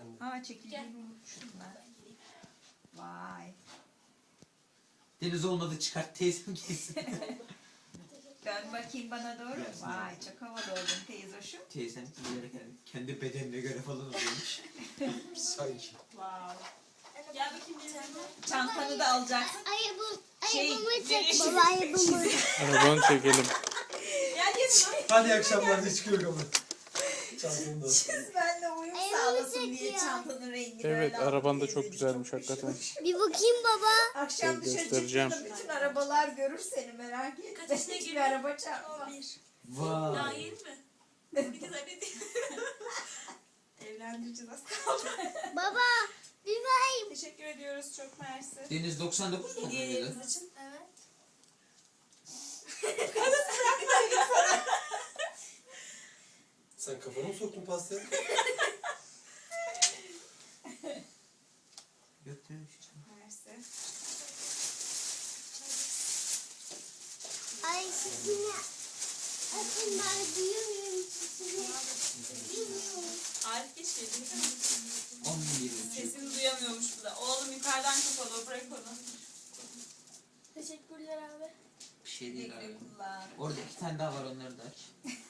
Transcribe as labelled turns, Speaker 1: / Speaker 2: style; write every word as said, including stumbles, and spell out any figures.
Speaker 1: Sen
Speaker 2: Aa çekildiğini unutmuşum ben. Vay.
Speaker 3: Deniz olmadı çıkart teyzem gelsin.
Speaker 2: Dön bakayım bana doğru.
Speaker 3: Gelsin.
Speaker 2: Vay çok havalı oldun teyzoşum.
Speaker 3: Teyzem ileri kendi, kendi bedenine göre falan oluyormuş.
Speaker 1: sanki.
Speaker 2: Wow.
Speaker 4: Gel bakayım teyzem.
Speaker 2: Çantanı da alacaksın.
Speaker 5: Ayıbım,
Speaker 2: Şey,
Speaker 5: ayıbımı çek
Speaker 2: verişim.
Speaker 5: baba ayıbımı.
Speaker 6: Arabanı çekelim.
Speaker 2: Gel yanıma.
Speaker 1: Hadi iyi akşamlar hiç görüyorum. Çantamda.
Speaker 2: Siz benimle uyum
Speaker 5: Ay,
Speaker 2: sağlasın
Speaker 5: onu
Speaker 2: diye
Speaker 5: çekiyor.
Speaker 2: çantanın rengini
Speaker 6: Evet,
Speaker 2: öyle aldım
Speaker 6: araban da
Speaker 2: teyzeciğim.
Speaker 6: çok güzelmiş
Speaker 2: Çok
Speaker 6: hakikaten.
Speaker 2: hoşmuş.
Speaker 5: Bir bakayım baba.
Speaker 2: Akşam
Speaker 6: Şey
Speaker 2: dışarı
Speaker 6: göstereceğim.
Speaker 2: çıktığında bütün arabalar görür seni merak etme.
Speaker 4: Kaç yaşına
Speaker 2: Hiçbir
Speaker 4: giriyor?
Speaker 2: araba çarpmaz.
Speaker 4: Bir.
Speaker 3: Vay.
Speaker 4: Daha yeni mi? Bir de zannediyorum. Evlendirici nasıl kaldı?
Speaker 5: Baba bir bakayım.
Speaker 4: Teşekkür ediyoruz çok mersi.
Speaker 3: Deniz doksan dokuz mu oluyordu?
Speaker 4: Hediyeleriniz için. Evet.
Speaker 1: Sen kafanı mı soktun pastaya?
Speaker 3: Yok değil mi?
Speaker 4: Mersi.
Speaker 5: Ay sesini açın ben duyamıyorum sesini. Duyamıyorum.
Speaker 4: Arif geç geldi.
Speaker 3: on bin yirmi.
Speaker 4: Sesini duyamıyormuş bu da. Oğlum yukarıdan kapalı bırak onu.
Speaker 5: Teşekkürler abi.
Speaker 3: Bir şey değil
Speaker 2: Güle
Speaker 3: abi.
Speaker 2: kullan.
Speaker 3: Orada iki tane daha var onları da aç.